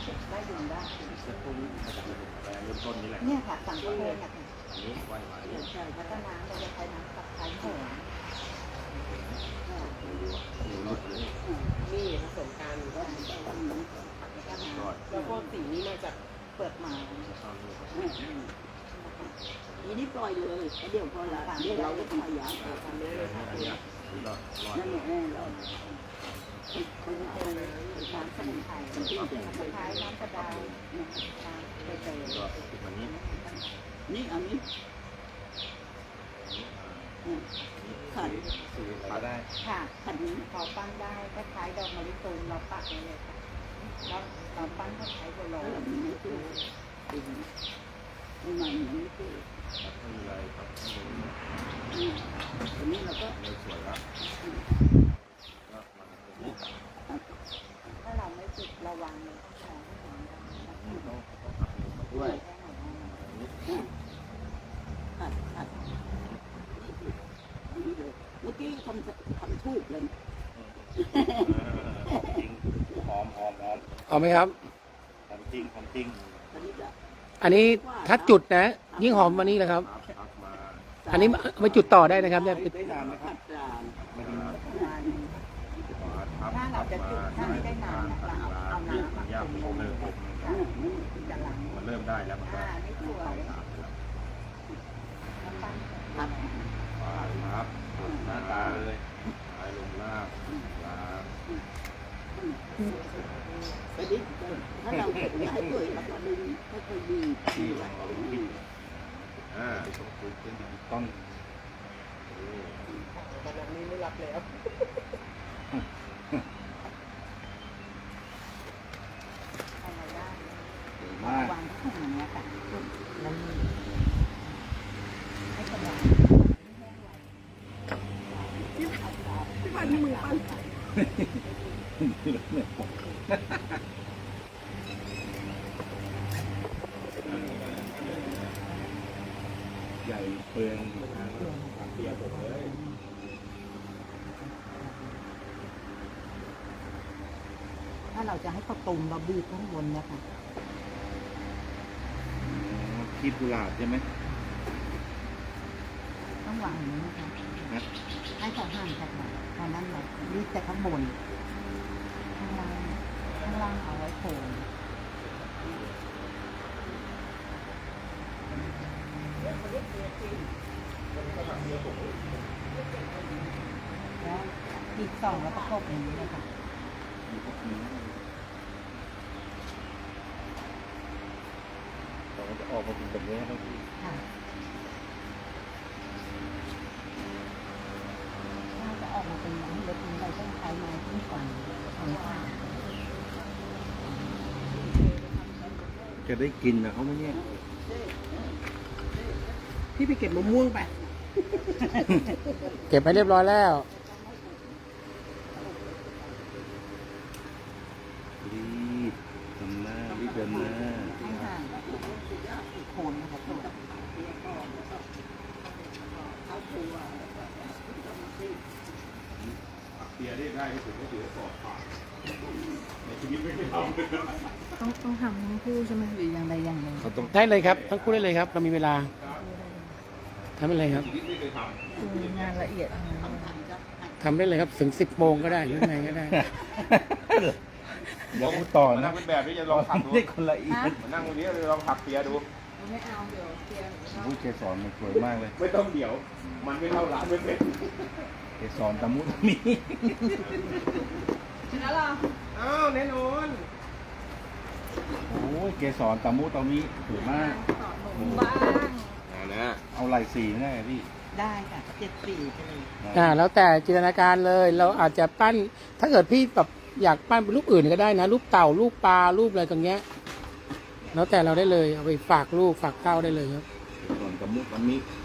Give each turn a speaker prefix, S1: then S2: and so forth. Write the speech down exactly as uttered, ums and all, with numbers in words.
S1: ได้ยุงได้
S2: แล้วพวกนี้มาจากอะไรเริ่มต้นนี่แหละ
S1: เนี่ยค่ะสั่งกระโปรงค่ะ
S2: อันนี้ไหว้มาเนี่ย
S1: ใช่แล้วก็น้ำเราจะใช้น้ำกับไข่หอม
S3: นี่ผสมกันแล้วพวกสีนี้มาจาก
S1: เปลือกไม้
S4: ทีนี้ปล่อยเลยเดี๋ยวพอละเดี๋ยวเราก็ทำยาทำได้เลยค่ะนั่นแหละเรา
S1: มันจะเป็นน้ำสมุนไพรน้ำสมุนไพรน้ำกระดาษน้ำใบเตย
S4: นี่อันนี้ขัน
S2: ปาได้
S1: ค่ะขันนี้พอปั้นได้คล้ายๆดอกมะลิตูมเราปักเลยค่ะแล้วเราปั้นคล้ายๆบัวลอย
S4: ไม่คือไม่มาอย่างนี้คือ
S2: ไม่มีอะไรครับ
S4: อันนี้เราก็
S2: เลยสวยแล้ว
S1: ถ้าเราไม่ปิดระวังเลยต้องมองให้เห็น
S2: ต้องต้องหักด้วย
S4: ขัดขัดเมื่อกี้ทำทำทูบเลย
S2: จริงหอมหอมหอม
S5: เอาไหมครับ
S2: หอมจริงหอมจริง
S5: อันนี้ถ้าจุดนะยิ่งหอมวันนี้เลยครับอันนี้มาจุดต่อได้นะครับเนี่ย
S2: ได้นานไหมครับ
S1: ถ้าเราจะจุดถ้าไม่ได้นานเราเอาน้ำมา
S2: ผมผมเลยผมมันเริ่มได้แล้วมันก็
S1: นี่ตัว
S2: ครับครับหน้าตาเลยหายลงล่างลา
S4: ไปดิถ้าเราเห็นให้ด้วยเราก็ดึงให้ค่อยดี
S2: ที่เราคิดอ่าต้องคุยเป็นดิจิตอล
S3: ขนาดนี้ไม่รับแล้ว
S1: วางที่อย่างเงี้ยค่ะแล้วให้กำลัง
S3: พี่พันมือปั้น
S2: ใหญ่เปลืองเปียกหมดเลย
S1: ถ้าเราจะให้เขาตุ่มเราบีบข้างบนเนี่ยค่ะ
S2: คีบกุหลาบใช่ไหม
S1: ต้องวางอย่างนี้นะคะให้เขาห่างจากเราตอนนั้นเราบีบแต่ข้างบนข้างล่างข้างล่างเอาไว้โผล่แล้วอีกสองแล้วประกบอย่างนี้เลยค่ะ
S2: เราจะออกมาเป็นแบบนี้ครับ
S1: ค่ะถ้าจะออกมาเป็นอย่างนี้แล้วเราต้องใช้ไม้ขึ้นก่อนของข้า
S2: จะได้กินนะเขาไม่เนี่ย
S3: พี่ไปเก็บมะม่วงไป
S5: เก็บไปเรียบร้อยแล้ว
S2: รีบทำหน้ารีบเดินหน้า
S1: ให้ห่างโคนนะคะโคน
S2: เตียได้ได้ถึงก็ถือสอบผ่านในชีวิตไม่ได้ทำ
S1: ต้องต้องทำทั้งคู่ใช่ไหมหรืออย่างใดอย่างหนึ่ง
S5: ได้เลยครับทั้งคู่ได้เลยครับเรามีเวลาทำได้เลยครับ
S1: คืองานละเอียด
S5: ทำได้เลยครับถึงสิบโมงก็ได้หรือไงก็ได้
S2: เดี๋ยวพูดต่อนะเป็นแบบนี้จะลองถักดูนี่คนละเอียดมานั่งตรงนี้ลองถักเตียดู
S1: ไม่เอาเดี๋ยวเตีย
S2: ผู้เกสรมันสวยมากเลยไม่ต้องเดี๋ยวมันไม่เท่าร้านไม่เป็นเกสรตะมุตะมี
S3: ชนะเราอ้าวแน่นอน
S2: โอ้ยเกสรตะมุตะมีสวยมาก
S1: บ้าง
S2: นะเอาลายสีง่ายพี่
S1: ได้ค่ะเจ็ดสีไปเลย
S5: อ่าแล้วแต่จินตนาการเลยเราอาจจะปั้นถ้าเกิดพี่แบบอยากปั้นเป็นรูปอื่นก็ได้นะรูปเต่ารูปปลารูปอะไรตรงเงี้ยแล้วแต่เราได้เลยเอาไปฝากลูกฝากเต้าได้เลยครับ
S2: ส่วนกับมุกกับมิ